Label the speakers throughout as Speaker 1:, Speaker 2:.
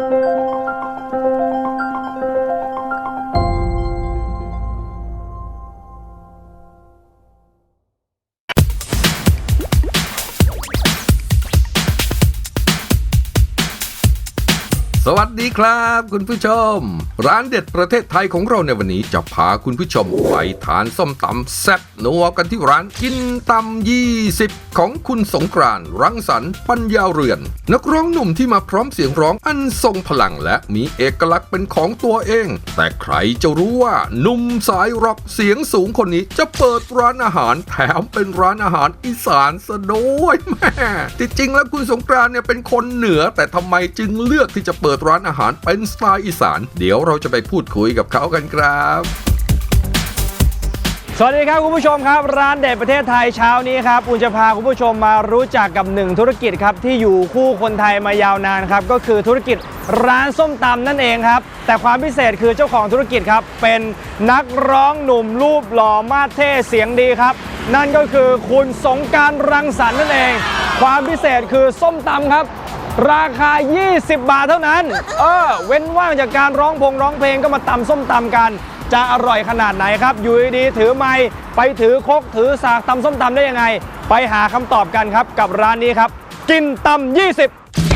Speaker 1: สวัสดีครับคุณผู้ชมร้านเด็ดประเทศไทยของเราในวันนี้จะพาคุณผู้ชมไปทานส้มตำแซ่บนัวกันที่ร้านกินตำ20ของคุณสงกรานต์รังสรรค์ปัญญาเรือนนักร้องหนุ่มที่มาพร้อมเสียงร้องอันทรงพลังและมีเอกลักษณ์เป็นของตัวเองแต่ใครจะรู้ว่าหนุ่มสายร็อกเสียงสูงคนนี้จะเปิดร้านอาหารแถมเป็นร้านอาหารอีสานซะด้วยแม่ที่จริงแล้วคุณสงกรานต์เนี่ยเป็นคนเหนือแต่ทำไมจึงเลือกที่จะเปิดร้านอาหารเป็นสไตล์อีสานเดี๋ยวเราจะไปพูดคุยกับเขากันครับ
Speaker 2: สวัสดีครับคุณผู้ชมครับร้านเด็ดประเทศไทยเช้านี้ครับอุ่นจะพาคุณผู้ชมมารู้จักกับหนึ่งธุรกิจครับที่อยู่คู่คนไทยมายาวนานครับก็คือธุรกิจร้านส้มตำนั่นเองครับแต่ความพิเศษคือเจ้าของธุรกิจครับเป็นนักร้องหนุ่มรูปหล่อมาสเท่เสียงดีครับนั่นก็คือคุณสงกรานต์รังสรรค์นั่นเองความพิเศษคือส้มตำครับราคา20 บาทเท่านั้นเว้นว่างจากการร้องเพลงก็มาตำส้มตำกันจะอร่อยขนาดไหนครับอยู่ดีๆถือไมค์ไปถือครกถือสากตำส้มตำได้ยังไงไปหาคำตอบกันครับกับร้านนี้ครับกินตำ20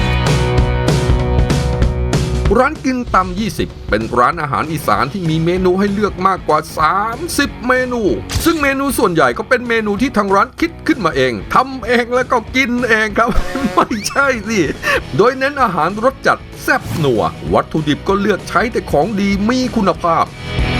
Speaker 1: ร้านกินตำ20เป็นร้านอาหารอีสานที่มีเมนูให้เลือกมากกว่า30เมนูซึ่งเมนูส่วนใหญ่ก็เป็นเมนูที่ทางร้านคิดขึ้นมาเองทำเองแล้วก็กินเองครับ ไม่ใช่สิโดยเน้นอาหารรสจัดแซ่บนัววัตถุดิบก็เลือกใช้แต่ของดีมีคุณภาพ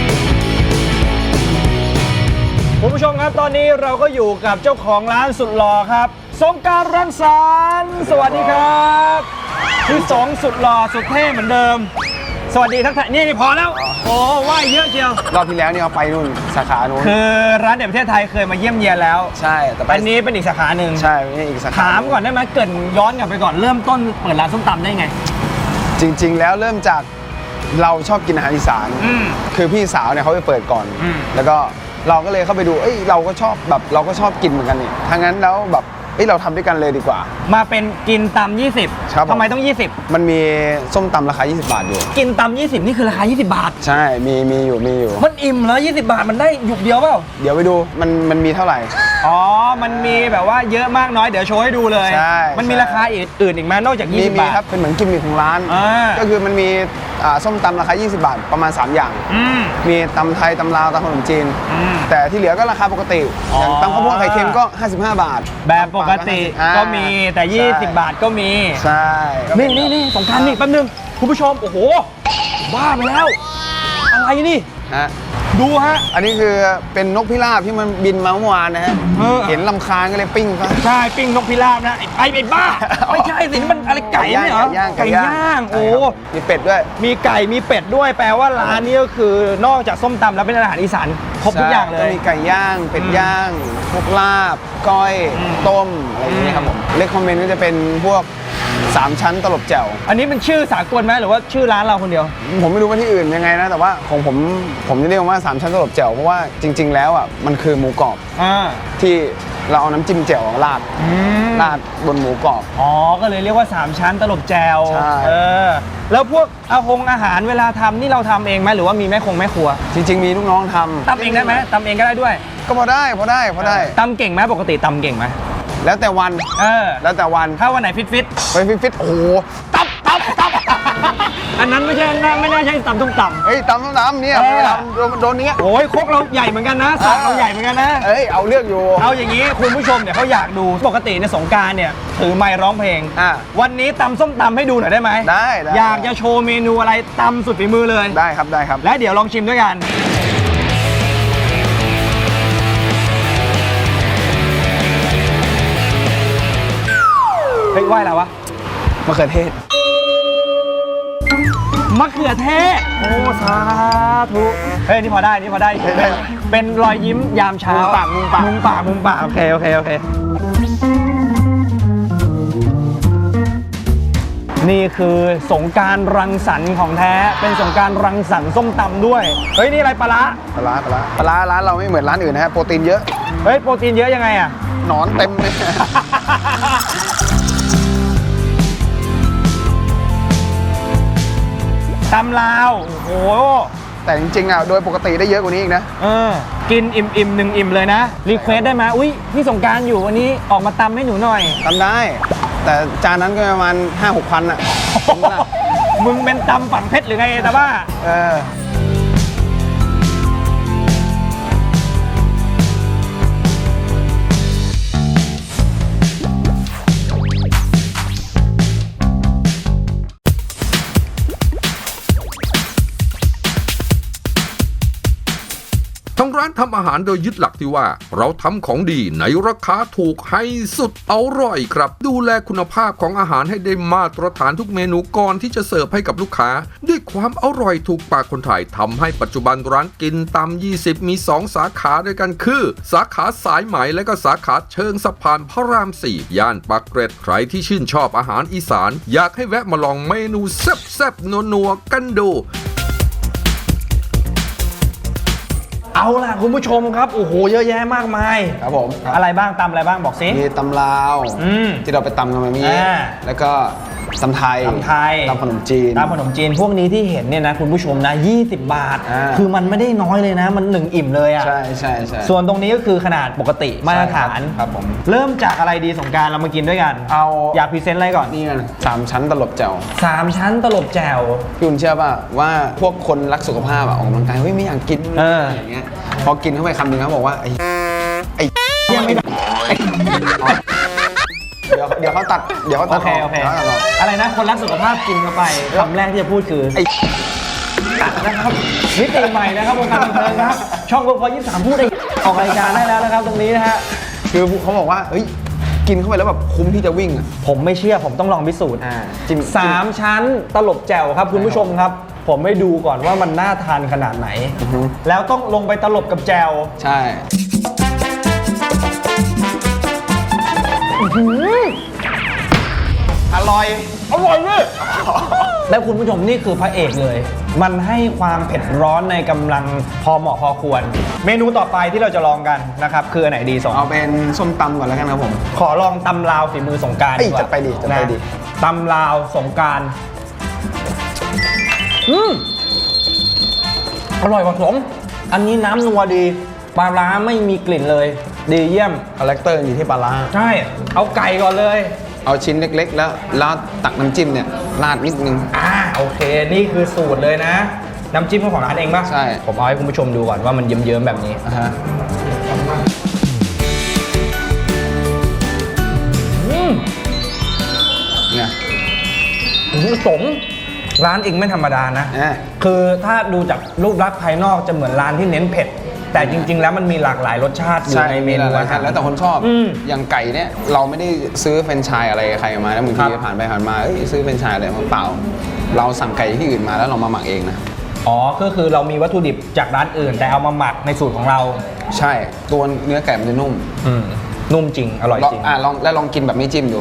Speaker 2: คุณผู้ชมครับตอนนี้เราก็อยู่กับเจ้าของร้านสุดหล่อครับสงกรานต์รังสรรค์สวัสดีครับพี่สงสุดหล่อสุดเท่เหมือนเดิมสวัสดีทั้งท่านนี่พอแล้วโอ้ว่ายเยอะเชียว
Speaker 3: รอบที่แล้วนี่เอาไปนู่นสาขานู้น
Speaker 2: คือร้านเด็ดประเทศไทยเคยมาเยี่ยมเยียนแล้ว
Speaker 3: ใช่แต่
Speaker 2: อันนี้เป็นอีกสาขาหนึ่ง
Speaker 3: ใช่นี่อีกสาขา
Speaker 2: ถามก่อนได้ไหมเกิดย้อนกลับไปก่อนเริ่มต้นเปิดร้านส้มตำได้ไง
Speaker 3: จริงๆแล้วเริ่มจากเราชอบกินอาหารอีสานคือพี่สาวเนี่ยเขาไปเปิดก่อนแล้วก็เราก็เลยเข้าไปดูเราก็ชอบแบบเราก็ชอบกินเหมือนกันนี่ถ้างั้นแล้วแบบเราทำด้วยกันเลยดีกว่า
Speaker 2: มาเป็นกินตำ20ทำไมต้อง20
Speaker 3: มันมีส้มตำราคา20 บาทอยู่
Speaker 2: กินตำ20นี่คือราคา20 บาท
Speaker 3: ใช่มีอยู่
Speaker 2: มันอิ่มแล้ว20 บาทมันได้หยุกเดียวเปล่า
Speaker 3: เดี๋ยวไปดูมันมีเท่าไหร่
Speaker 2: อ๋อมันมีแบบว่าเยอะมากน้อยเดี๋ยวโชว์ให้ดูเลย
Speaker 3: ใช่
Speaker 2: มันมีราคาอื่นอีกไหมนอกจาก20 บาท
Speaker 3: ครับเป็นเหมือนกิมมิคของร้านก็คือมันมีส้มตำราคา20 บาทประมาณ3อย่างมีตำไทยตำลาวตำขนมจีนแต่ที่เหลือก็ราคาปกติอย่างตำข้าวโพดไข่เค็มก็55 บาท
Speaker 2: แบบปกติก็มีแต่20 บาทก็มี
Speaker 3: ใช่
Speaker 2: นี่สงกรานต์นี่แป๊บนึงคุณผู้ชมโอ้โหบ้าไปแล้วอะไรนี่ดูฮะ
Speaker 3: อันนี้คือเป็นนกพิราบที่มันบินมาเมื่อวานนะฮะเห็นลำคาญก็เลยปิ้งซะ
Speaker 2: ใช่ปิ้งนกพิราบนะไอ้บ้าไม่ใช่สิมันอะไรไก่เนี่ยเหรอไก่ย่างโอ้
Speaker 3: มีเป็ดด้วย
Speaker 2: มีไก่มีเป็ดด้วยแปลว่าร้านนี้ก็คือนอกจากส้มตำแล้วเป็นอาหารอีสานครบทุกอย่างเลย
Speaker 3: มีไก่ย่างเป็ดย่างพวกลาบก้อยต้มอะไรอย่างนี้ครับผมเลคคอมเมนต์ก็จะเป็นพวก3 ชั้นตลบแจ่ว
Speaker 2: อันนี้เป็นชื่อสากลไหมหรือว่าชื่อร้านเราคนเดียว
Speaker 3: ผมไม่รู้ว่าที่อื่นยังไงนะแต่ว่าของผมจะเรียกว่า3 ชั้นตลบแจ่วเพราะว่าจริงๆแล้วมันคือหมูกรอบที่เราเอาน้ำจิ้มแจ่วราดบนหมูกรอบ
Speaker 2: ก็เลยเรียกว่า3 ชั้นตลบแจ่วแล้วพวกอาหารเวลาทำนี่เราทำเองไหมหรือว่ามีแม่ครัว
Speaker 3: จริงๆมีลูกน้องทำ
Speaker 2: ตำเองได้ไหมตำเองก็ได้ด้วย
Speaker 3: ก็พอได้
Speaker 2: ตำเก่งไหมปกติตำเก่งไหม
Speaker 3: แล้วแต่วันแล้วแต่วัน
Speaker 2: ถ้าวันไหนฟิต
Speaker 3: โอ้โหตับ
Speaker 2: อันนั้นไม่น่าใช่ตำตุ้มต่ำ
Speaker 3: ตำเนี่ยโดนเนี้ย
Speaker 2: โอ้ยครกเราใหญ่เหมือนกันนะสากเราใหญ่เหมือนกันนะ
Speaker 3: เอาเลือกอยู่
Speaker 2: เอาอย่างนี้คุณผู้ชมเนี่ยเขาอยากดูปกติในสงกรานต์เนี่ยถือไมค์ร้องเพลงวันนี้ตำส้มตำให้ดูหน่อยได้ไหม
Speaker 3: ได้
Speaker 2: อยากจะโชว์เมนูอะไรตำสุดฝีมือเลย
Speaker 3: ได้ครับ
Speaker 2: และเดี๋ยวลองชิมด้วยกันเฮ้ยไหว้อะไรวะ
Speaker 3: มะเขือเทศ
Speaker 2: โอ้สาธุเฮ้ยนี่พอได้เป็นรอยยิ้มยามเช้ามุมปากโอเคนี่คือสงกรานต์รังสรรค์ของแท้เป็นสงกรานต์รังสรรค์ส้มตำด้วยเฮ้ยนี่อะไรปลาร้า
Speaker 3: ร้านเราไม่เหมือนร้านอื่นนะฮะโปรตีนเยอะ
Speaker 2: เฮ้ยโปรตีนเยอะยังไงอะ
Speaker 3: หนอนเต็มเลย
Speaker 2: ตำลาวโอ้โห
Speaker 3: แต่จริงๆอ่ะโดยปกติได้เยอะกว่านี้อีกนะ
Speaker 2: กินอิ่มๆ1 อิ่มเลยนะรีเควสได้ไหมอุ้ยพี่สงกรานต์อยู่วันนี้ออกมาตำให้หนูหน่อย
Speaker 3: ทำได้ แต่จานนั้นก็ประมาณ 5-6 พันอ่ะ
Speaker 2: มึงเป็นตำฝั่งเพชรหรือไงแต่ว่า
Speaker 3: เออ
Speaker 1: ทางร้านทำอาหารโดยยึดหลักที่ว่า เราทำของดีในราคาถูกให้สุดอร่อยครับ ดูแลคุณภาพของอาหารให้ได้มาตรฐานทุกเมนูก่อนที่จะเสิร์ฟให้กับลูกค้า ด้วยความอร่อยถูกปากคนไทยทำให้ปัจจุบันร้านกินตำ20มี2สาขาด้วยกันคือ สาขาสายไหมและก็สาขาเชิงสะพานพระราม4ย่านปากเกร็ดใครที่ชื่นชอบอาหารอีสานอยากให้แวะมาลองเมนูแซ่บๆนัวๆกันดู
Speaker 2: เอาล่ะคุณผู้ชมครับโอ้โหเยอะแยะมากมาย
Speaker 3: ครับผม
Speaker 2: อะไรบ้างตำอะไรบ้างบอกสิ
Speaker 3: มีตำลาว ที่เราไปตำกันมาเมื่อกี้
Speaker 2: อ่า
Speaker 3: แล้วก็ตำไทย
Speaker 2: ตำไทย
Speaker 3: ตำขนมจีน
Speaker 2: ตำขนมจีนพวกนี้ที่เห็นเนี่ยนะคุณผู้ชมนะ20 บาท คือมันไม่ได้น้อยเลยนะมัน1 อิ่มเลยอ่ะ
Speaker 3: ใช่ใช่ใช่
Speaker 2: ส่วนตรงนี้ก็คือขนาดปกติมาตรฐาน
Speaker 3: ครับผม
Speaker 2: เริ่มจากอะไรดีสงกรานต์เรามากินด้วยกัน
Speaker 3: เอา
Speaker 2: อยากพรีเซนต์อะไรก่อน
Speaker 3: นี่กัน3 ชั้นตลบแจ่ว
Speaker 2: 3 ชั้นตลบแจ่ว
Speaker 3: พี่อุ่นเชื่อป่ะว่าพวกคนรักสุขภาพอะออกกำลังกายเฮ้ยไม่อยากกิน
Speaker 2: เออ
Speaker 3: อย่างเงี้ยพอกินเข้าไปคำหนึงเขาบอกว่าไอ้
Speaker 2: ยังไม่ได้
Speaker 3: เดี๋ยวเขาตัดเดี๋ยวเขา
Speaker 2: โอ
Speaker 3: ตัด
Speaker 2: เคโอเค
Speaker 3: ดี๋ยวขาตัดออก
Speaker 2: อะไรนะคนรักสุขภาพกินเข้าไปคำแรกที่จะพูดคือ
Speaker 3: ไอ้
Speaker 2: นะครับมิติใหม่นะครับวงการบันเทิงครับช่องพอ23พูดได้ออกรายการได้แล้วนะครับตรงนี้นะฮะ
Speaker 3: คือเขาบอกว่าเฮ้ยกินเข้าไปแล้วแบบคุ้มที่จะวิ่งอะ
Speaker 2: ผมไม่เชื่อผมต้องลองพิสูจน์
Speaker 3: จิ้ม
Speaker 2: 3 ชั้นตลบแจ่วครับคุณผู้ชมครับ ผมไม่ดูก่อนว่ามันน่าทานขนาดไหน แล้วต้องลงไปตลบกับแจ่ว
Speaker 3: ใช่
Speaker 2: อร่อยอร่อยเลยแล้วคุณผู้ชมนี่คือพระเอกเลย มันให้ความเผ็ดร้อนในกำลังพอเหมาะพอควร เมนูต่อไปที่เราจะลองกันนะครับคืออันไหนดีสอง
Speaker 3: เอาเป็นส้มตำก่อนแล้วกันครับผม
Speaker 2: ขอลองตำลาวฝีมือสงกรานต์
Speaker 3: เอ้ย
Speaker 2: ดีกว่า
Speaker 3: จัดไปดิจัดไปดิ
Speaker 2: นะตำลาวสงกรานต์อร่อยกว่าสมอันนี้น้ำนัวดีปลาร้าไม่มีกลิ่นเลย ดีเยี่ยม
Speaker 3: คาแรคเตอร์อยู่ที่ปลาร้า
Speaker 2: ใช่ เอาไก่ก่อนเลย
Speaker 3: เอาชิ้นเล็กๆ แล้วตักน้ำจิ้มเนี่ยราดนิดนึง
Speaker 2: โอเค นี่คือสูตรเลยนะ น้ำจิ้มของร้านเองป่ะ
Speaker 3: ใช่
Speaker 2: ผมเอาให้คุณผู้ชมดูก่อนว่ามันเยิ้มๆแบบนี้
Speaker 3: อ่ะฮะ เนี่ย
Speaker 2: สมร้านเองไม่ธรรมดานะ
Speaker 3: อ่ะ
Speaker 2: คือถ้าดูจากรูปลักษณ์ภายนอกจะเหมือนร้านที่เน้นเผ็ด แต่จริง ๆ แล้วมันมีหลากหลายรสชาติอยู่
Speaker 3: ใช่
Speaker 2: ในเมนู
Speaker 3: หลาย
Speaker 2: อา
Speaker 3: ๆ
Speaker 2: หาร
Speaker 3: แล้วแต่คนชอบ อย่างไก่เนี่ยเราไม่ได้ซื้อแฟรนไชส์อะไรใครมาแล้วบาง
Speaker 2: ครั
Speaker 3: ที
Speaker 2: บ
Speaker 3: ผ่านไปผ่านมาเอ้ยซื้อแฟรนไชส์อะไรมาเปล่า เราสั่งไก่ที่อื่นมาแล้วเรามาหมักเองนะ
Speaker 2: อ๋อ ก็คือเรามีวัตถุดิบจากร้านอื่น แต่เอามาหมักในสูตรของเรา
Speaker 3: ใช่ตัวเนื้อไก่มันจะนุ่ม
Speaker 2: นุ่มจริง อร่อยจริง
Speaker 3: ลองกินแบบไม่จิ้มดู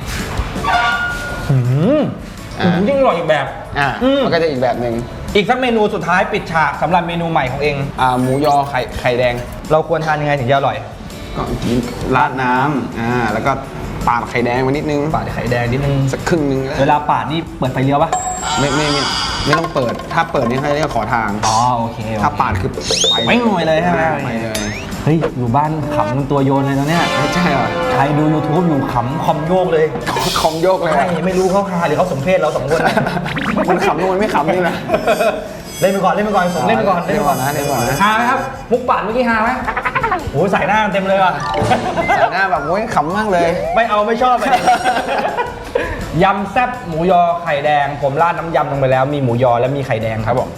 Speaker 2: ยิ่งอร่อยอีกแบบ
Speaker 3: มันก็จะอีกแบบหนึ่ง
Speaker 2: อีกสักเมนูสุดท้ายปิดฉากสำหรับเมนูใหม่ของเอง
Speaker 3: หมูยอไข่แดง
Speaker 2: เราควรทานยังไงถึงจะอร่อย
Speaker 3: ก็กินราดน้ำแล้วก็ปาดไข่แดงมานิดนึง
Speaker 2: ปาดไข่แดงนิดนึง
Speaker 3: สักครึ่งนึง
Speaker 2: เวลาปาดนี่เปิดไฟเลี้ยวปะ
Speaker 3: ไม่ต้องเปิด ถ้าเปิดนี่เขาเรียกขอทาง
Speaker 2: อ๋อโอเค
Speaker 3: ถ้าปาดคือ
Speaker 2: ไม่หน่วยเลยใช่ไหม
Speaker 3: ไปเลย
Speaker 2: เฮ้ยอยู่บ้านขำเป็นตัวโยนเลยนะเนี่ย
Speaker 3: ไม่ใช่เหรอ
Speaker 2: ใครดู YouTube อยู่ขำคอมโยกเลย
Speaker 3: คอมโยกเลย
Speaker 2: ใช่ไม่รู้เขาคาหรือเขาสมเพศเราสองคน
Speaker 3: มันขำนู่นมันไม่ขำนี่นะ
Speaker 2: เล่นไปก่อนผมเล่นไปก่อน
Speaker 3: เล่นไปก่อนนะ
Speaker 2: ฮาไหมครับมุกปาดเมื่อกี้ฮาไหมโอ้ยใส่หน้าเต็มเลยว่ะ
Speaker 3: ใส่หน้าแบบโอ้ยขำมากเลย
Speaker 2: ไม่เอาไม่ชอบเลยยำแซ่บหมูยอไข่แดง ผมราดน้ำยำลงไปแล้วมีหมูยอและมีไข่แดงครับผม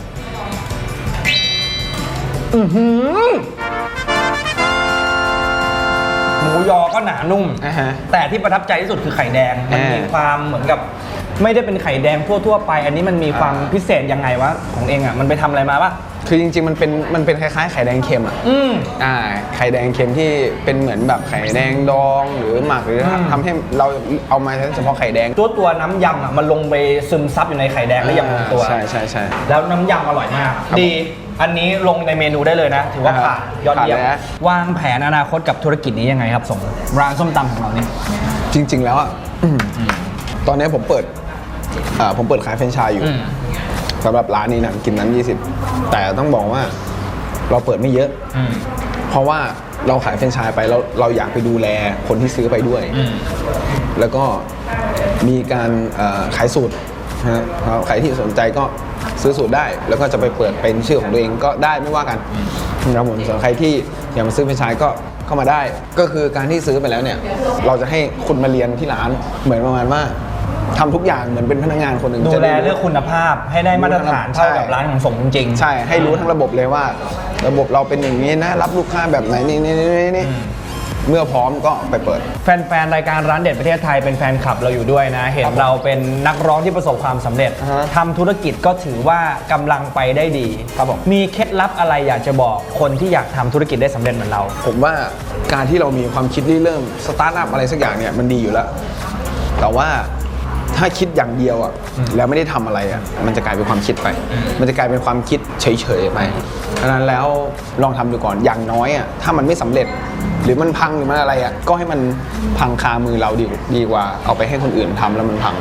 Speaker 2: หมูยอก็หนานุ่ม แต่ที่ประทับใจที่สุดคือไข่แดงมันมีความเหมือนกับไม่ได้เป็นไข่แดงทั่วๆไป อันนี้มันมีความพิเศษยังไงวะของเองอ่ะมันไปทำอะไรมาปะ
Speaker 3: คือจริงๆมันเป็นคล้ายๆไข่แดงเค็มอ่ะไข่แดงเค็มที่เป็นเหมือนแบบไข่แดงดองหรือหมักหรือทำให้เราเอามาเฉพาะไข่แดง
Speaker 2: ตัวน้ำยำอ่ะมันลงไปซึมซับอยู่ในไข่แดงและยำลงตัว
Speaker 3: ใช่
Speaker 2: แล้วน้ำยำอร่อยมากดีอันนี้ลงในเมนูได้เลยนะถือว่าผ่านยอดเยี่ยมวางแผนอนาคตกับธุรกิจนี้ยังไงครับส่งร้านส้มตำของเรานี่
Speaker 3: จริงๆแล้วอ่ะตอนนี้ผมเปิดขายแฟรนไชส์อยู่สำหรับร้านนี้นะกินน้ำ20แต่ต้องบอกว่าเราเปิดไม่เยอะเพราะว่าเราขายแฟรนไชส์ไปแล้วเราอยากไปดูแลคนที่ซื้อไปด้วยแล้วก็มีการขายสูตรนะฮะใครที่สนใจก็ซื้อสูตรได้แล้วก็จะไปเปิดเป็นชื่อของตัวเองก็ได้ไม่ว่ากันนะครับผมส่วนใครที่อยากมาซื้อแฟรนไชส์ก็เข้ามาได้ก็คือการที่ซื้อไปแล้วเนี่ยเราจะให้คุณมาเรียนที่ร้านเหมือนประมาณว่าทำทุกอย่างเหมือนเป็นพนักงานคนหนึ่ง
Speaker 2: ดูแลเรื่องคุณภาพให้ได้มาตรฐานเท่ากับร้านของสมจริง
Speaker 3: ใช่ให้รู้ทั้งระบบเลยว่าระบบเราเป็นอย่างนี้นะรับลูกค้าแบบไหนนี่เมื่อพร้อมก็ไปเปิด
Speaker 2: แฟนๆรายการร้านเด็ดประเทศไทยเป็นแฟนคลับเราอยู่ด้วยนะเห็นเราเป็นนักร้องที่ประสบความสำเร็จทำธุรกิจก็ถือว่ากำลังไปได้ดีครับผมมีเคล็ดลับอะไรอยากจะบอกคนที่อยากทำธุรกิจได้สำเร็จเหมือนเรา
Speaker 3: ผมว่าการที่เรามีความคิดที่เริ่มสตาร์ทอัพอะไรสักอย่างเนี่ยมันดีอยู่แล้วแต่ว่าถ้าคิดอย่างเดียวอ่ะแล้วไม่ได้ทำอะไรอ่ะมันจะกลายเป็นความคิดไปมันจะกลายเป็นความคิดเฉยๆไปฉะนั้นแล้วลองทำดูก่อนอย่างน้อยอ่ะถ้ามันไม่สำเร็จหรือมันพังหรือมันอะไรอ่ะก็ให้มันพังคามือเราดีกว่าเอาไปให้คนอื่นทำแล้วมันพัง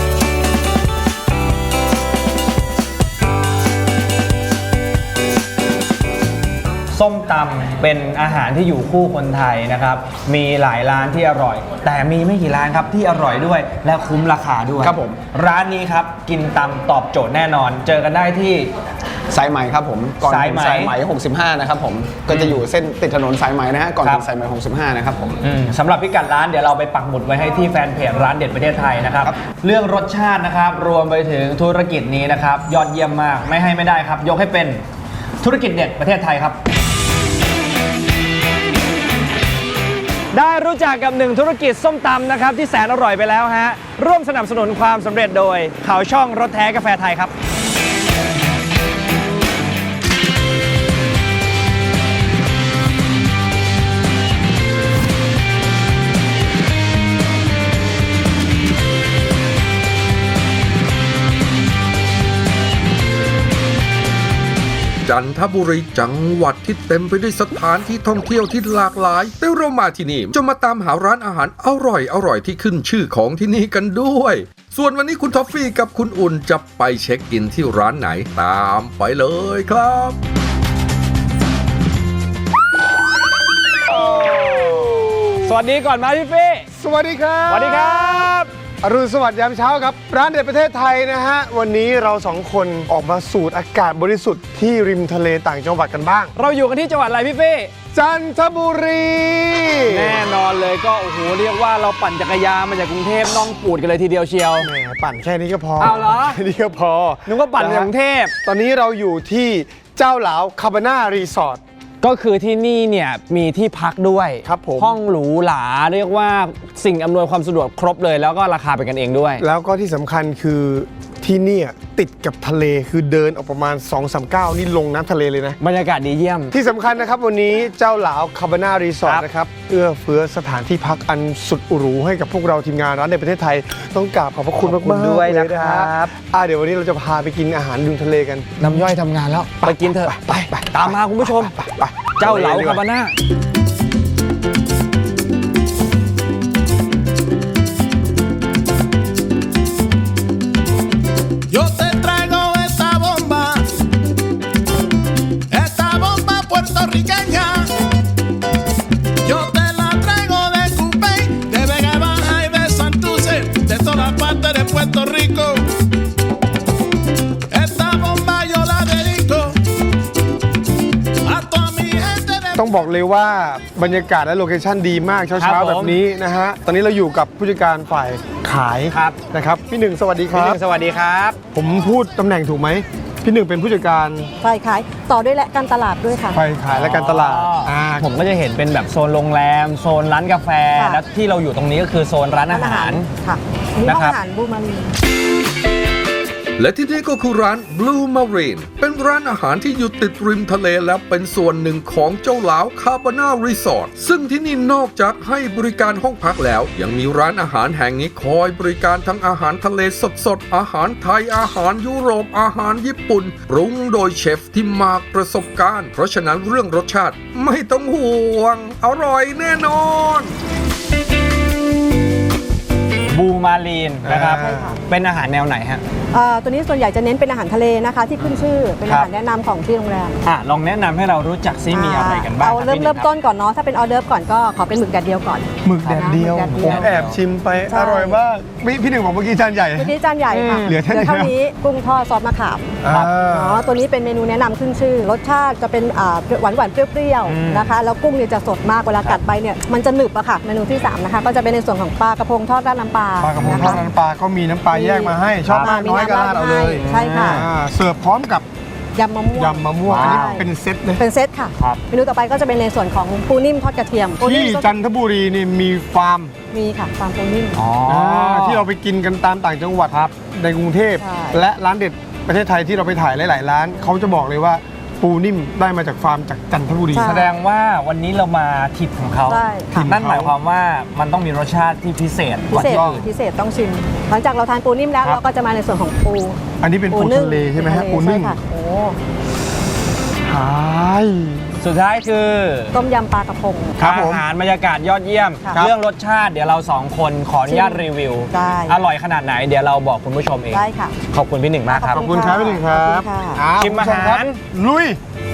Speaker 2: ส้มตำเป็นอาหารที่อยู่คู่คนไทยนะครับมีหลายร้านที่อร่อยแต่มีไม่กี่ร้านครับที่อร่อยด้วยและคุ้มราคาด้วย
Speaker 3: ครับผม
Speaker 2: ร้านนี้ครับกินตำตอบโจทย์แน่นอนเจอกันได้ที่
Speaker 3: สายไหมครับผมก่อนถึงสายไหม65นะครับผมก็จะอยู่เส้นติดถนนสายไหมนะฮะก่อนถึงสายไหม65นะครับผม
Speaker 2: สำหรับพิกัดร้านเดี๋ยวเราไปปักหมุดไว้ให้ที่แฟนเพจร้านเด็ดประเทศไทยนะครับเรื่องรสชาตินะครับรวมไปถึงธุรกิจนี้นะครับยอดเยี่ยมมากไม่ได้ครับยกให้เป็นธุรกิจเด็ดประเทศไทยครับได้รู้จักกับหนึ่งธุรกิจส้มตำนะครับที่แสนอร่อยไปแล้วฮะร่วมสนับสนุนความสำเร็จโดยเขาช่องรถแท้กาแฟไทยครับ
Speaker 1: จันทบุรีจังหวัดที่เต็มไปด้วยสถานที่ท่องเที่ยวที่หลากหลายแต่เรามาที่นี่จะมาตามหาร้านอาหารอร่อยที่ขึ้นชื่อของที่นี่กันด้วยส่วนวันนี้คุณท็อฟฟี่กับคุณอุ่นจะไปเช็คอินที่ร้านไหนตามไปเลยครับ
Speaker 2: สวัสดีก่อนมาพี่ฟี่
Speaker 4: สวัสดีครับ
Speaker 2: สวัสดีครับ
Speaker 4: อรุณสวัสดิ์ยามเช้าครับร้านเด็ดประเทศไทยนะฮะวันนี้เราสองคนออกมาสูดอากาศบริสุทธิ์ที่ริมทะเลต่างจังหวัดกันบ้าง
Speaker 2: เราอยู่กันที่จังหวัดอะไรพี่ฟี่
Speaker 4: จันทบุรี
Speaker 2: แน่นอนเลยก็โอ้โหเรียกว่าเราปั่นจักรยานมาจากกรุงเทพน่องปูดกันเลยทีเดียวเชียว
Speaker 4: แหมปั่นแค่นี้ก็พอ
Speaker 2: เอาเหรอ
Speaker 4: แค่นี้ก็พอ
Speaker 2: นึกว่าปั่นจากกรุงเทพ
Speaker 4: ตอนนี้เราอยู่ที่เจ้าหลาวคาบาน่ารีสอร์ท
Speaker 2: ก็คือที่นี่เนี่ยมีที่พักด้วย
Speaker 4: ครับผม
Speaker 2: ห้องหรูหราเรียกว่าสิ่งอำนวยความสะดวกครบเลยแล้วก็ราคาเป็นกันเองด้วย
Speaker 4: แล้วก็ที่สำคัญคือที่นี่ติดกับทะเลคือเดินออกประมาณ 2-3 ก้าวนี่ลงน้ำทะเลเลยนะ
Speaker 2: บรรยากาศดีเยี่ยม
Speaker 4: ที่สำคัญนะครับวันนี้เจ้าหลาวคาบาน่ารีสอร์ทนะครับเอื้อเฟื้อสถานที่พักอันสุดหรูให้กับพวกเราทีมงานร้านในประเทศไทยต้องกราบขอบพระคุณมากๆ
Speaker 2: ด้วยนะครับ
Speaker 4: เดี๋ยววันนี้เราจะพาไปกินอาหารริมทะเลกัน
Speaker 2: น้ำย่อยทำงานแล้วไปกินเถอะไปตามมาคุณผู้ชมเจ้าเหลาคาบาน่า
Speaker 4: ต้องบอกเลยว่าบรรยากาศและโลเคชั่นดีมากเช้าๆแบบนี้นะฮะตอนนี้เราอยู่กับผู้จัดการฝ่ายขายนะครับพี่หนึ่งสวัสดีครับ
Speaker 2: พี่หนึ่งสวัสดีครับ
Speaker 4: ผมพูดตำแหน่งถูกไหมพี่หนึ่งเป็นผู้จัดการ
Speaker 5: ฝ่ายขายต่อด้วยและการตลาดด้วยค่ะ
Speaker 4: ฝ่ายขายและการตลาด
Speaker 2: ผมก็จะเห็นเป็นแบบโซนโรงแรมโซนร้านกาแฟและที่เราอยู่ตรงนี้ก็คือโซนร้านอาหาร
Speaker 5: ค่ะนี่ห้องอาหารบูมารี
Speaker 1: และที่นี่ก็คือร้าน Blue Marine เป็นร้านอาหารที่อยู่ติดริมทะเลและเป็นส่วนหนึ่งของเจ้าหลาวคาบาน่ารีสอร์ทซึ่งที่นี่นอกจากให้บริการห้องพักแล้วยังมีร้านอาหารแห่งนี้คอยบริการทั้งอาหารทะเลสดๆอาหารไทยอาหารยุโรปอาหารญี่ปุ่นปรุงโดยเชฟที่มากประสบการณ์เพราะฉะนั้นเรื่องรสชาติไม่ต้องห่วงอร่อยแน่นอน
Speaker 2: บูมารีนนะครับเป็นอาหารแนวไหนฮะ
Speaker 5: ตัวนี้ส่วนใหญ่จะเน้นเป็นอาหารทะเลนะคะ ที่ขึ้นชื่อเป็นอาหารแนะนำของที่โรงแรม
Speaker 2: ลองแนะนำให้เรารู้จักซิมีอะไรกันบ้าง
Speaker 5: เอา
Speaker 2: คบ
Speaker 5: เริ่ม
Speaker 2: พี่หนึ่งครับ
Speaker 5: ต้นก่อนเนาะถ้าเป็นออเดิร์ฟก่อนก็ขอเป็นหมึกแดดเดียวก่อน
Speaker 4: หมึกแดดเดียว
Speaker 5: หมึกแดด
Speaker 4: ผ
Speaker 5: เดี
Speaker 4: ม
Speaker 5: ยว
Speaker 4: แอบชิมไป
Speaker 5: ใช่
Speaker 4: อร่อยมากพี่หนึ่งบอกเมื่อกี้จานใหญ่
Speaker 5: ตัวนี้จานใหญ่ค่ะ
Speaker 4: เหลือแค่นี้
Speaker 5: เท่านี้กุ้งทอดซอสมะขาม
Speaker 4: อ่า
Speaker 5: เนาะตัวนี้เป็นเมนูแนะนำขึ้นชื่อ รสชาติจะเป็นหวานๆเปรี้ยวๆนะคะแล้วกุ้งเนี่ยจะสดมากเวลากัดไปเนี่ยมันจะหนึบอะค่ะเมนูที่3นะคะก็จะเป็นในส่วนของปลากระพงทอดราดน้ำปลา
Speaker 4: ปลากระพงทอด
Speaker 5: นะคะ
Speaker 4: น้ำปลาก็มีน้ำปลาแยกมาให้ชอบมากน้อยก็ราดเอาเลย
Speaker 5: ใช่ค่ะ
Speaker 4: เสิร์ฟพร้อมกับ
Speaker 5: ยำมะม่วง
Speaker 4: ยำมะม่วงอันนี้
Speaker 2: ว้าว
Speaker 4: เป็นเซตเลย
Speaker 5: เป็นเซตค่ะ
Speaker 2: ครับ
Speaker 5: เมนูต่อไปก็จะเป็นในส่วนของปูนิ่มทอดกระเทียมปูนิ่
Speaker 4: ที่
Speaker 5: ม
Speaker 4: จันทบุรีนี่มีฟาร์ม
Speaker 5: มีค่ะฟาร์มปูนิ่ม
Speaker 4: ที่เราไปกินกันตามต่างจังหวัดในกรุงเทพ
Speaker 5: ใช่
Speaker 4: และร้านเด็ดประเทศไทยที่เราไปถ่ายหลายๆร้านเขาจะบอกเลยว่าปูนิ่มได้มาจากฟาร์มจากจันทบุรี
Speaker 5: ใช่
Speaker 2: แสดงว่าวันนี้เรามาทิปของเขา
Speaker 5: ใช่ค่ะ
Speaker 2: นั่นหมายความว่ามันต้องมีรสชาติที่พิเศษ
Speaker 5: พิ
Speaker 2: กว่า
Speaker 5: เศษ
Speaker 2: ที่อื่น
Speaker 5: พิเศษต้องชิม หลังจากเราทานปูนิ่มแล้ว
Speaker 2: ครับ
Speaker 5: เราก็จะมาในส่วนของปู
Speaker 4: อันนี้เป็นปู
Speaker 5: นึ่ง
Speaker 4: ทะเลใช่ไหมฮะปูนึ่ง
Speaker 5: ใช่ค่ะโอ้
Speaker 4: ใช่
Speaker 2: สุดท้ายคือ
Speaker 5: ต้มยำปลากระพง
Speaker 4: ครับผม
Speaker 2: อาหารบรรยากาศยอดเยี่ยม
Speaker 5: ครับ
Speaker 2: เรื่องรสชาติเดี๋ยวเราสองคนขออนุญาตรีวิว
Speaker 5: ได้
Speaker 2: อร่อยขนาดไหนเดี๋ยวเราบอกคุณผู้ชมเอง
Speaker 5: ได้ค่ะ
Speaker 2: ขอบคุณพี่หนึ่งมากครับ
Speaker 4: ขอบคุณครับพี่หนึ่งครับ
Speaker 5: ขอบคุณค่ะ
Speaker 2: ชิมอาหาร
Speaker 4: คุณผู้ชคบลุย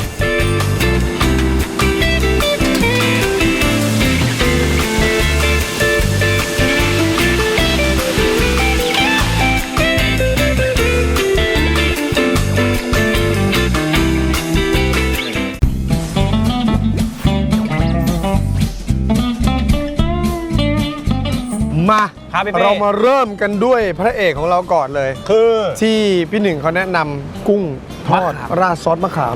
Speaker 4: มา
Speaker 2: ครับพี่เป้
Speaker 4: เรามาเริ่มกันด้วยพระเอกของเราก่อนเลย
Speaker 2: คือ
Speaker 4: ที่พี่หนึ่งเขาแนะนำกุ้งทอด
Speaker 2: มะขาม
Speaker 4: ราดซอสมะขาม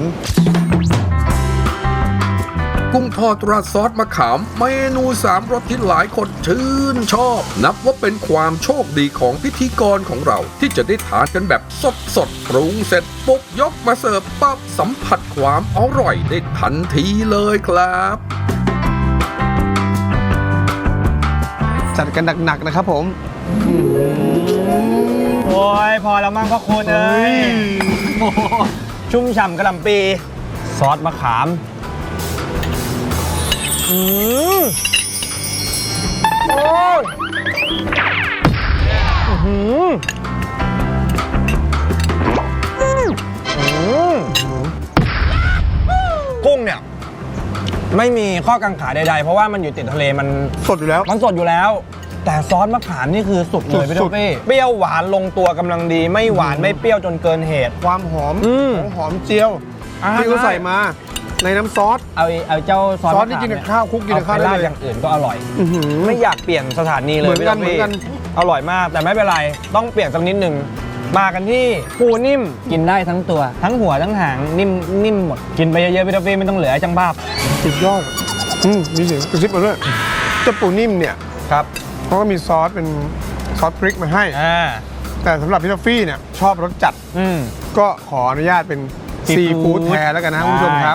Speaker 1: กุ้งทอดราดซอสมะขาม เมนู3รสที่หลายคนชื่นชอบ นับว่าเป็นความโชคดีของพิธีกรของเรา ที่จะได้ทานกันแบบสดๆปรุงเสร็จปุ๊บยกมาเสิร์ฟปั๊บสัมผัสความอร่อยได้ทันทีเลยครับ
Speaker 4: จัดกันหนักๆนะครับผม
Speaker 2: โอ้ยพอแล้วมั้งพ่อคุณเอ้ยโอ้โหชุ่มฉ่ำกระหล่ำปีซอสมะขามโอ้ยกุ้งเนี่ย ไม่มีข้อกังขาใดๆ เพราะว่ามันอยู่ติดทะเลมัน
Speaker 4: สดอยู่แล้ว
Speaker 2: มันสดอยู่แล้ว แต่ซอสมะขามนี่คือสุดเลยพี่
Speaker 4: สุ
Speaker 2: ท็อ
Speaker 4: ด
Speaker 2: ปปี้เปรี้ยวหวานลงตัวกำลังดี ไม่หวานไม่เปรี้ยวจนเกินเหตุ
Speaker 4: ความหอม
Speaker 2: อืม
Speaker 4: ของหอมเจียว ที่เขาใส่มาในน้ำซอส
Speaker 2: เอาเจ้าซอส
Speaker 4: ซอส
Speaker 2: มะ
Speaker 4: ที่
Speaker 2: ขาม
Speaker 4: กินกับ
Speaker 2: เย
Speaker 4: ข้าวคลุกกินกับข้าว
Speaker 2: เอไป
Speaker 4: ได้
Speaker 2: ราด
Speaker 4: เลย
Speaker 2: อย่างอื่นก็อร่อย
Speaker 4: อื้อหือ
Speaker 2: ไม่อยากเปลี่ยนสถานีเลย
Speaker 4: เหมือน
Speaker 2: พี่
Speaker 4: กั
Speaker 2: ท็
Speaker 4: น
Speaker 2: อปปี้
Speaker 4: เหมือนกัน
Speaker 2: อร่อยมากแต่ไม่เป็นไร ต้องเปลี่ยนสักนิดหนึ่งมากันที่ปูนิ่มกินได้ทั้งตัว ทั้งหัวทั้งหางนิ่มหมดกินไปเยอะๆพี่ท็อปปี้ไม่ต้องเหลือให้จังบ้าบ
Speaker 4: สุดยอดมีเสียงกระซิบมาด้วยเจ้าปูนิ่มเนี่ย
Speaker 2: ครับ
Speaker 4: เขาก็มีซอสเป็นซอสพริกมาให้ แต่สำหรับพี่ทอฟฟี่เนี่ยชอบรสจัด
Speaker 2: อืม
Speaker 4: ก็ขออนุญาตเป็น
Speaker 2: ซี
Speaker 4: ซี
Speaker 2: ฟู้
Speaker 4: ฟู้
Speaker 2: ด
Speaker 4: ดแทนแล้วกันนะคุณผู้ชมครับ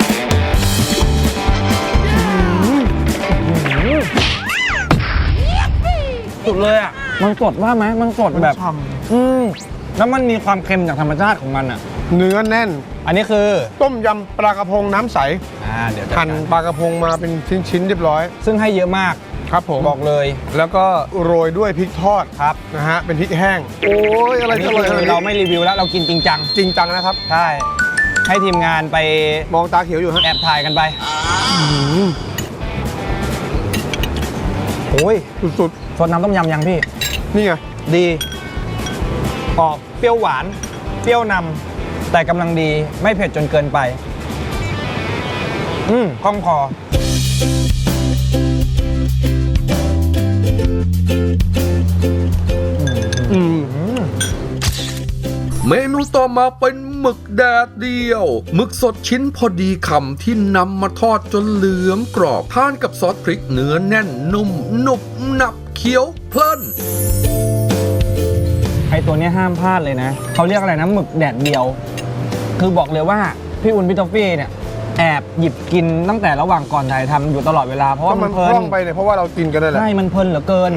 Speaker 2: สุดเลยอ่ะมันสดว่าไหมมันสดแบบ
Speaker 4: ฉ่
Speaker 2: แล้วมันมีความเค็มจากธรรมชาติของมันอ่ะ
Speaker 4: เนื้อแน่น
Speaker 2: อันนี้คือ
Speaker 4: ต้มยำปลากระพงน้ำใส
Speaker 2: เดี๋ยวจัด
Speaker 4: หั่น
Speaker 2: การ
Speaker 4: ปลากระพงมาเป็นชิ้นๆเรียบร้อย
Speaker 2: ซึ่งให้เยอะมาก
Speaker 4: ครับผม
Speaker 2: บอกเลย
Speaker 4: แล้วก็โรยด้วยพริกทอด
Speaker 2: ครับ
Speaker 4: นะฮะเป็นพริกแห้ง โอ้ยอะไร
Speaker 2: อันนี้
Speaker 4: จะอร่อยข
Speaker 2: คื
Speaker 4: นาด
Speaker 2: อเรา
Speaker 4: นี้
Speaker 2: ไม่รีวิวแล้วเรากินจริงจัง
Speaker 4: จริงจังนะครับ
Speaker 2: ใช่ให้ทีมงานไป
Speaker 4: มองตาเขียวอยู่ฮะ
Speaker 2: แอบถ่ายกันไปโอ้ย
Speaker 4: สุด
Speaker 2: สดน้ำต้มยำยังพี่
Speaker 4: ๆนี่ไง
Speaker 2: ดีออกเปรี้ยวหวาน เปรี้ยวนำแต่กำลังดีไม่เผ็ดจนเกินไปคล่องคอ
Speaker 1: เมนูต่อมาเป็นหมึกแดดเดียว หมึกสดชิ้นพอดีคำที่นำมาทอดจนเหลืองกรอบทานกับซอสพริกเนื้อแน่นนุ่มหนุบหนับเคี้ยวเพลิน
Speaker 2: ไอตัวเนี้ยห้ามพลาดเลยนะเขาเรียกอะไรนะหมึกแดดเดียว คือบอกเลยว่าพี่อุ่นพี่ทอฟฟี่เนี่ยแอบหยิบกินตั้งแต่ระหว่างก่อนถ่ายทำอยู่ตลอดเวลาเพราะ
Speaker 4: ก็
Speaker 2: ว่า
Speaker 4: มั
Speaker 2: มัน น
Speaker 4: ค
Speaker 2: เพลิ
Speaker 4: ล่อน งไปเนี่ยเพราะว่าเรากินกันได้แหละ
Speaker 2: ใช่มันเพลินเหลือเกิน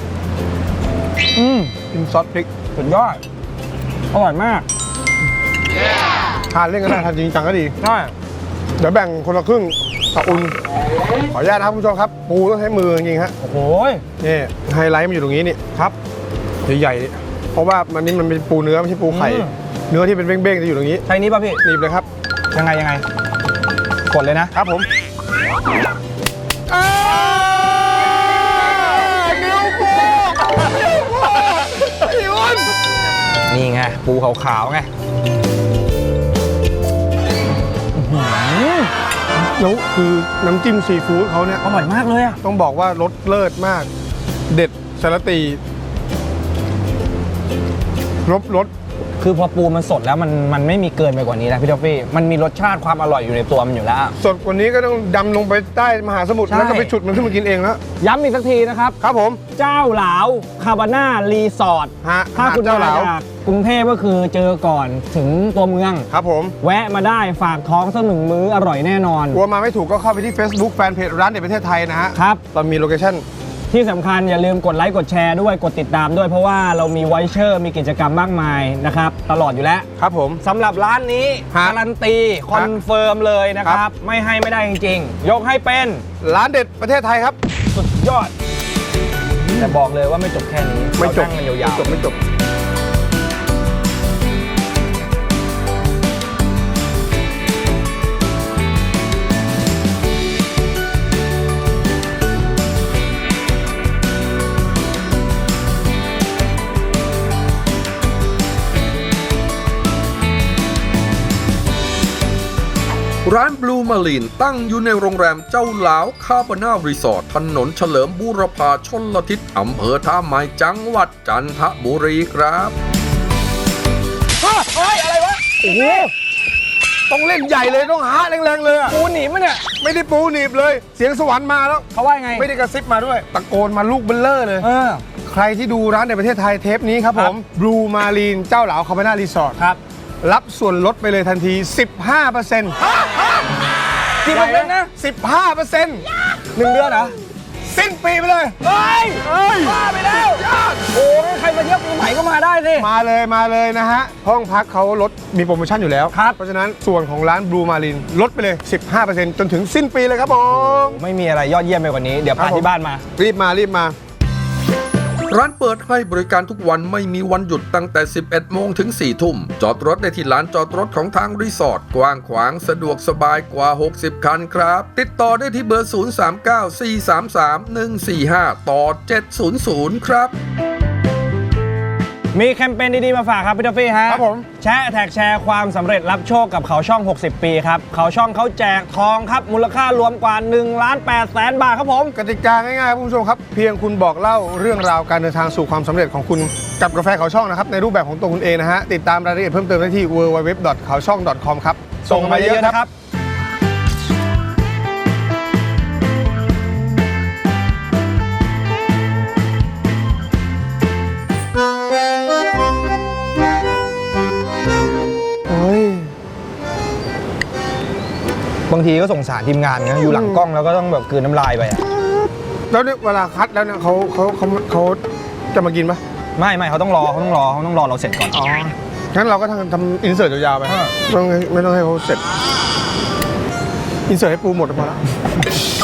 Speaker 4: กินซอสพริก
Speaker 2: สุดยอดอร่อยมาก
Speaker 4: ทานเล่นก็ได้ทานจริงจังก็ดี
Speaker 2: ใช่
Speaker 4: เดี๋ยวแบ่งคนละครึ่งกับอุ่นขออนุญาตนะครับคุณผู้ชมครับ ปูต้องใช้มือจริงๆฮะ
Speaker 2: โอ้โห
Speaker 4: นี่ไฮไลท์มันอยู่ตรงนี้นี่ครับใหญ่ๆนี่เพราะว่ามันนี่มันเป็นปูเนื้อไม่ใช่ปูไข่ เนื้อที่เป็นเบ้งๆจะอยู่ตรงนี้
Speaker 2: ใช่นี้ป่ะพี่
Speaker 4: หนีบเลยครับ
Speaker 2: ยังไงกดเลยนะครับ
Speaker 4: ผมนิ้วปู
Speaker 2: นี่ไงปูขาวๆไง
Speaker 4: แล้วคือน้ำจิ้มซีฟู้ดเขาเนี่ย
Speaker 2: อร่อยมากเลยอ่ะ
Speaker 4: ต้องบอกว่ารสเลิศมาก เด็ดสารตีรส
Speaker 2: คือพอปูมันสดแล้วมันไม่มีเกินไปกว่านี้นะพี่ท็อฟฟี่มันมีรสชาติความอร่อยอยู่ในตัวมันอยู่แล้ว
Speaker 4: สดกว่านี้ก็ต้องดำลงไปใต้มหาสมุทร
Speaker 2: ใช่
Speaker 4: แล้วก็ไปฉุดมันขึ้นมากินเองแล้ว
Speaker 2: ย้ำอีกสักทีนะครับ
Speaker 4: ครับผม
Speaker 2: เจ้าหลาวคาบาน่ารีสอร์ท
Speaker 4: ฮะ
Speaker 2: ถ้าคุณ
Speaker 4: เจ้า
Speaker 2: มา
Speaker 4: หลาว
Speaker 2: จากกรุงเทพก็คือเจอก่อนถึงตัวเมือง
Speaker 4: ครับผม
Speaker 2: แวะมาได้ฝากท้องสักหนึ่งมื้ออร่อยแน่นอน
Speaker 4: กลัวมาไม่ถูกก็เข้าไปที่ Facebook แฟนเพจร้านเด็ดประเทศไทยนะฮะ
Speaker 2: ครับ
Speaker 4: เรามีโลเคชั่น
Speaker 2: ที่สำคัญอย่าลืมกดไลค์กดแชร์ด้วยกดติดตามด้วยเพราะว่าเรามีไวเชอร์มีกิจกรรมมากมายนะครับตลอดอยู่แล้ว
Speaker 4: ครับผม
Speaker 2: สำหรับร้านนี้
Speaker 4: ฮะ
Speaker 2: การันตีคอนเฟิร์มเลยนะครับ ไม่ให้ไม่ได้จริงๆ ยกให้เป็น
Speaker 4: ร้านเด็ดประเทศไทยครับ
Speaker 2: สุดยอด แต่บอกเลยว่าไม่จบแค่นี้
Speaker 4: ไม่จบ
Speaker 2: เรานั่งกันยาวๆ
Speaker 4: ไม่จบ
Speaker 1: ร้านบลูมารีนตั้งอยู่ในโรงแรมเจ้าหลาวคาบาน่ารีสอร์ทถนนเฉลิมบูรพาชลทิศอำเภอท่าไม้จังหวัดจันทบุรีครับ
Speaker 2: เฮ้ยอะไรวะ
Speaker 4: โอ้โหต้องเล่นใหญ่เลยต้องหาแรงๆเลยอะ
Speaker 2: ปูหนีบมั้ยเนี่ย
Speaker 4: ไม่ได้ปูหนีบเลย เสียงสวรรค์มาแล้ว
Speaker 2: เขาว่าไง
Speaker 4: ไม่ได้กระซิบมาด้วย ตะโกนมาลูกเบลเลอร์เลย
Speaker 2: เออ
Speaker 4: ใครที่ดูร้านในประเทศไทยเทปนี้ครับผมบลูมารีนเจ้าหลาวคาบาน่ารีสอร์ท
Speaker 2: ครับ
Speaker 4: รับส่วนลดไปเลยทันที 15%
Speaker 2: กี่เปอร์เซ็นต์นะ
Speaker 4: 15%
Speaker 2: 1 เดือนเหรอ
Speaker 4: สิ้นปีไปเลย
Speaker 2: เฮ้ยบ้าไปแล้วโอ้ยใครมาเที่ยวปีใหม่ก็มาได้สิ
Speaker 4: มาเลยนะฮะ ห้องพักเขาลดมีโปรโมชั่นอยู่แล้วครับ เพราะฉะนั้นส่วนของร้านบลูมารีนลดไปเลย 15% จนถึงสิ้นปีเลยครับผม
Speaker 2: ไม่มีอะไรยอดเยี่ยมไปกว่านี้ เดี๋ยวพาที่บ้านมา
Speaker 4: รีบมา
Speaker 1: ร้านเปิดให้บริการทุกวันไม่มีวันหยุดตั้งแต่ 11 โมงถึง 4 ทุ่ม จอดรถได้ที่ลานจอดรถของทางรีสอร์ทกว้างขวางสะดวกสบายกว่า 60 คันครับ ติดต่อได้ที่เบอร์ 039-433-145 ต่อ 700 ครับ
Speaker 2: มีแคมเปญดีๆมาฝากครับพี่ทอฟฟี่ฮะ
Speaker 4: ครับผม
Speaker 2: แชร์แท็กแชร์ความสำเร็จรับโชคกับเขาช่อง 60 ปีครับ เขาช่องเขาแจกทองครับ มูลค่ารวมกว่า1,800,000 บาทครับผม
Speaker 4: กติกาง่ายๆครับคุณผู้ชมครับ เพียงคุณบอกเล่าเรื่องราวการเดินทางสู่ความสำเร็จของคุณกับกาแฟเขาช่องนะครับ ในรูปแบบของตัวคุณเองนะฮะ ติดตามรายละเอียดเพิ่มเติมได้ที่ www.kaoshong.com ครับ ส่งมาเยอะๆนะครับ
Speaker 2: เฮ้ย บางทีก็สงสารทีมงานนะอยู่หลังกล้องแล้วก็ต้องแบบกลืนน้ำลายไปอะ
Speaker 4: แล้วเนี่ยเวลาคัดแล้วเนี่ยเขาจะมากินปะ
Speaker 2: ไม่เขาต้องรอเราเสร็จก่อน
Speaker 4: อ๋อ งั้นเราก็ทำอินเสิร์ตยาวๆไปไม่ต้องให้เขาเสร็จ อินเสิร์ตให้ปูหมดพอแล้ว